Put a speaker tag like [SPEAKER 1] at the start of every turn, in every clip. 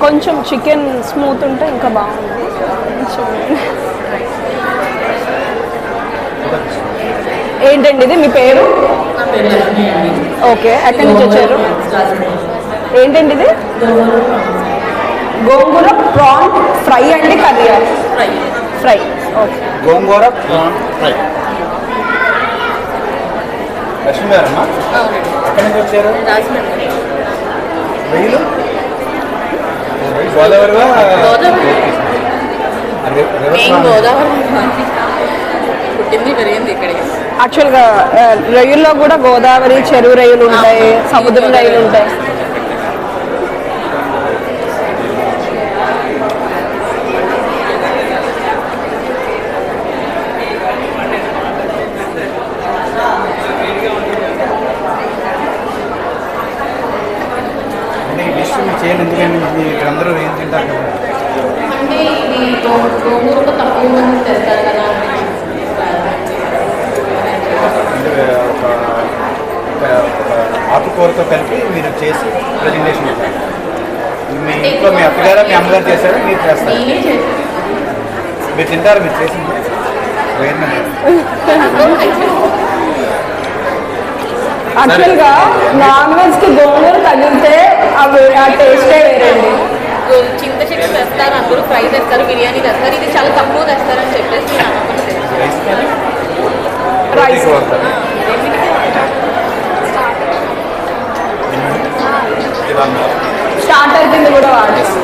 [SPEAKER 1] కొంచెం chicken smooth ఉంటే ఇంకా బాగుంది. ఏంటండి ఇది మీ పేరు? ఓకే, ఎక్కడి నుంచి వచ్చారు? ఏంటండి ఇది? గోంగూర ప్రాన్ ఫ్రై అండి, curry? Fry. Okay,
[SPEAKER 2] gongura prawn fry. Lakshmi గారమ్మా, ఎక్కడి నుంచి వచ్చారు? వెయ్యిలు గోదావరిగా?
[SPEAKER 1] యాక్చువల్గా రొయ్యల్లో కూడా గోదావరి చెరువు రొయ్యలు ఉంటాయి, సముద్రం రొయ్యలు ఉంటాయి.
[SPEAKER 2] ఇక్కడ అందరూ ఏం తింటారు కదా?
[SPEAKER 3] అంటే ఇది గోంగూరతో తక్కువ మంది తెస్తారు కదా.
[SPEAKER 2] ఆకుకూరతో కలిపి మీరు చేసి ప్రజెంటేషన్ ఇస్తారు. మీ ఇంట్లో మీ అత్తగారు మీ అమ్మగారు చేశారు, మీరు చేస్తారు? మీరు తింటారు? మీరు చేసింది
[SPEAKER 1] యాక్చువల్గా నాన్ వెజ్కి గోంగూర తగిలితే అవి ఆ టేస్టే వేరండి.
[SPEAKER 3] చింత చెట్టు తెస్తారు, అందరూ ఫ్రై తెస్తారు, బిర్యానీ తెస్తారు. ఇది చాలా తక్కువ తెస్తారని చెప్పేసి
[SPEAKER 1] రైస్ స్టార్టర్ కింద కూడా వాడచ్చు.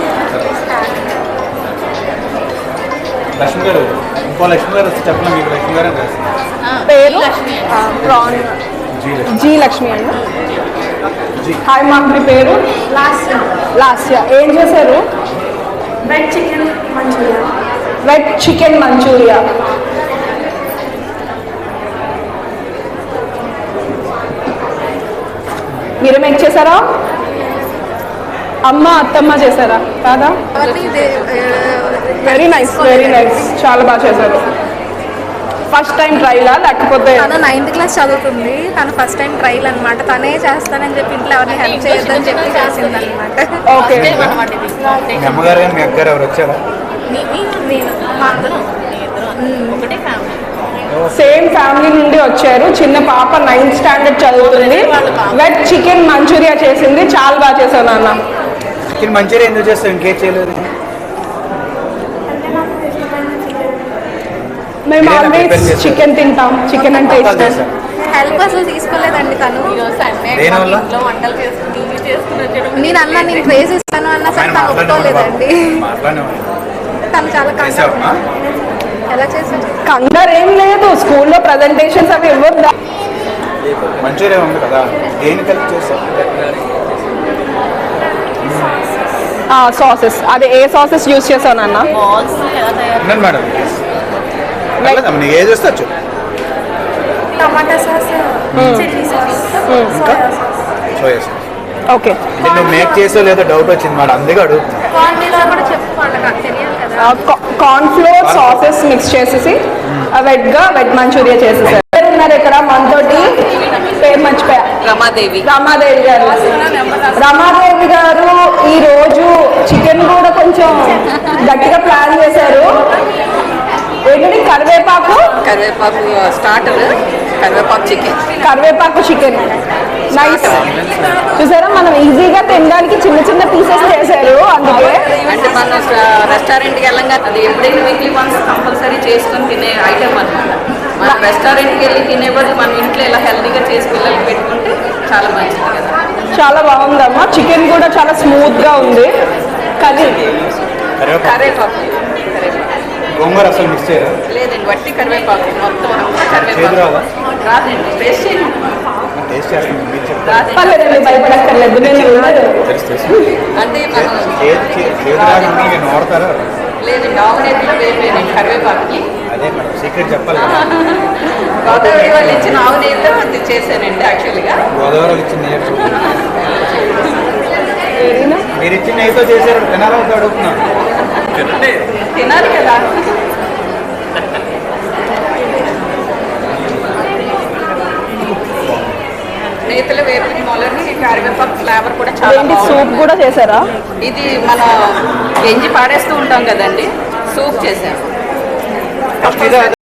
[SPEAKER 2] లక్ష్మి గారు, ఇంకో లక్ష్మి గారు వచ్చి చెప్పండి. మీకు లక్ష్మి గారు
[SPEAKER 1] పేరు? ప్రాన్ జీ లక్ష్మి అండి. హాయ్ మా, మీ పేరు? లాస్య. ఏం చేశారు?
[SPEAKER 4] Wet chicken manchurian.
[SPEAKER 1] Wet chicken manchurian. మీరే మేక్ చేశారా? అమ్మ అత్తమ్మ చేశారా? కాదా? Very nice, very nice. చాలా బాగా చేశారు. ఫస్ట్ టైం ట్రైలా లేకపోతే?
[SPEAKER 4] తను 9th క్లాస్ చదువుతుంది. తను ఫస్ట్ టైం ట్రైల్ అనమాట. తనే చేస్తానని చెప్పి ఇంట్లో ఎవరిని హెల్ప్ చేయొద్దని చెప్పి చేసింది అనమాట.
[SPEAKER 1] ఓకే.
[SPEAKER 2] మీ అమ్మగారు మీ అక్కగారు ఎవరు వచ్చారా?
[SPEAKER 1] సేమ్ ఫ్యామిలీ నుండి వచ్చారు. చిన్న పాప 9th స్టాండర్డ్ చదువుతుంది. వెట్ చికెన్ మంచూరియా చేసింది. చాలా బాగా చేశాను నాన్న.
[SPEAKER 2] చికెన్ మంచూరియా ఎందుకు చేస్తావు? ఇంకేం చేయలేదు?
[SPEAKER 1] మేము ఆల్వేస్ చికెన్ తింటాం. చికెన్ అంటే ఇష్టం.
[SPEAKER 4] హెల్ప్ అసలు తీసుకోలేదండి తను.
[SPEAKER 3] వంటలు చేసుకుని
[SPEAKER 4] నేను అన్నా నేను ట్రేస్ ఇస్తాను అన్నా సరే తను ఒప్పుకోలేదండి. తను చాలా కంగారు. ఎలా చేశారు?
[SPEAKER 1] కంగారు ఏం లేదు. స్కూల్లో ప్రజెంటేషన్స్ అవి ఇవ్వద్దా?
[SPEAKER 2] మంచూరియా ఉంది కదా, దేని కలిపి చేస్తాం?
[SPEAKER 1] సాసెస్. అదే ఏ సాసెస్ యూజ్ చేశాను అన్న?
[SPEAKER 2] మేడం ఏది వస్తచ్చు?
[SPEAKER 4] Tomato sauce, chilli sauce, soya sauce.
[SPEAKER 2] Soya sauce.
[SPEAKER 1] Okay.
[SPEAKER 2] నువ్వు మేక్ చేసో లేదో డౌట్ వచ్చింది మేడం, అందుకే అడుగుతున్నా.
[SPEAKER 1] కార్న్ ఫ్లోర్ సాసెస్ మిక్స్ చేసేసి వెట్ మంచూరియా చేసేసారు. ఉన్నారు ఇక్కడ మనతోటి, పేరు మర్చిపోయా. రమాదేవి గారు. రమాదేవి గారు ఈరోజు చికెన్ కూడా కొంచెం గట్టిగా ప్లాన్ చేశారు. ఏంటంటే కరివేపాకు
[SPEAKER 3] స్టార్టర్,
[SPEAKER 1] కరివేపాకు చికెన్. నైస్. చూసారా, మనం ఈజీగా తినడానికి చిన్న చిన్న పీసెస్ చేశారు. అందుకే
[SPEAKER 3] అంటే మనం రెస్టారెంట్కి వెళ్ళంగా అది ఎప్పుడైనా వీక్లీ వన్స్ కంపల్సరీ చేసుకొని తినే ఐటమ్ అనమాట. మనం రెస్టారెంట్కి వెళ్ళి తినే బదులు మనం ఇంట్లో ఇలా హెల్తీగా చేసి పిల్లలకి పెట్టుకుంటే చాలా మంచిది కదా.
[SPEAKER 1] చాలా బాగుందమ్మా. చికెన్ కూడా చాలా స్మూత్గా ఉంది.
[SPEAKER 3] కరివేపాకు
[SPEAKER 2] గోంగూర అసలు మిక్స్ చేయరా?
[SPEAKER 3] లేదండి, వట్టి కరివేపాకు మొత్తం కరివేపాకు రాదండి. టేస్ట్
[SPEAKER 2] టేస్ట్ చేస్తాను, మీరు చెప్తారు.
[SPEAKER 1] భయపడక్కర్లేదు.
[SPEAKER 3] అంటే మనం
[SPEAKER 2] నేను వాడతారా?
[SPEAKER 3] లేదండి, ఆవునేతిలో వేరే కరివేపాకుకి.
[SPEAKER 2] అదే మేడం సీక్రెట్ చెప్పాలి.
[SPEAKER 3] గోదావరి వాళ్ళు ఇచ్చిన ఆవునేతిలో అది చేశానండి యాక్చువల్గా.
[SPEAKER 2] గోదావరి ఇచ్చిన మీరు ఇచ్చిన నెయ్యితో చేశారు, తినాలా అడుగుతున్నాను.
[SPEAKER 3] తినాలి కదా. నేతలు వేపుని మొలని కరివేపాకు ఫ్లేవర్ కూడా చాలా
[SPEAKER 1] ఏంటి సూప్
[SPEAKER 3] బాగుంది.
[SPEAKER 1] కూడా చేశారా?
[SPEAKER 3] ఇది మనం గంజి పాడేస్తూ ఉంటాం కదండి, సూప్ చేసాము.
[SPEAKER 2] ఫస్ట్